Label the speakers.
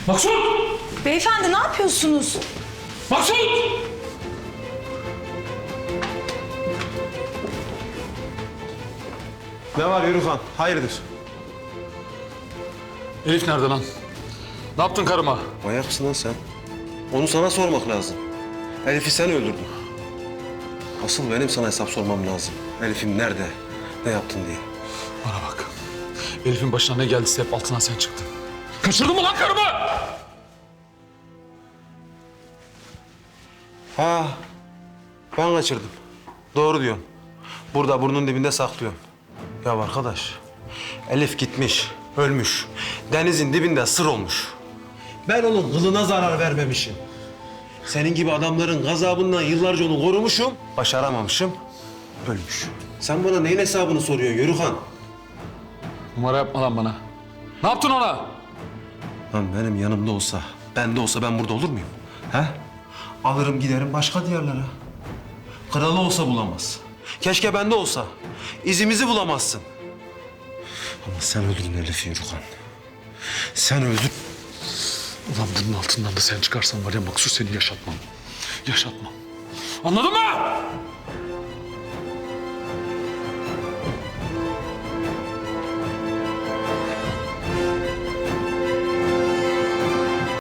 Speaker 1: Maksut!
Speaker 2: Beyefendi ne yapıyorsunuz?
Speaker 1: Maksut!
Speaker 3: Ne var Yürükan? Hayırdır?
Speaker 1: Elif nerede lan? Ne yaptın karıma?
Speaker 3: Manyak mısın lan sen? Onu sana sormak lazım. Elif'i sen öldürdün. Asıl benim sana hesap sormam lazım. Elif'im nerede? Ne yaptın diye.
Speaker 1: Bana bak. Elif'in başına ne geldiyse hep altından sen çıktın. Kaçırdın mı lan karımı?
Speaker 3: Ha, ben kaçırdım. Doğru diyorsun. Burada burnun dibinde saklıyorum. Ya arkadaş, Elif gitmiş, ölmüş. Denizin dibinde sır olmuş. Ben onun kılına zarar vermemişim. Senin gibi adamların gazabından yıllarca onu korumuşum, başaramamışım, ölmüş. Sen bana neyin hesabını soruyorsun Yörükan?
Speaker 1: Numara yapma lan bana. Ne yaptın ona?
Speaker 3: Lan benim yanımda olsa, bende olsa ben burada olur muyum? He? Alırım giderim başka diyarlara. Kralı olsa bulamaz. Keşke bende olsa. İzimizi bulamazsın. Ama sen öldürdün Elif'i Yürükan. Sen öldür.
Speaker 1: Ulan bunun altından da sen çıkarsan var ya Maksut seni yaşatmam. Yaşatmam. Anladın mı?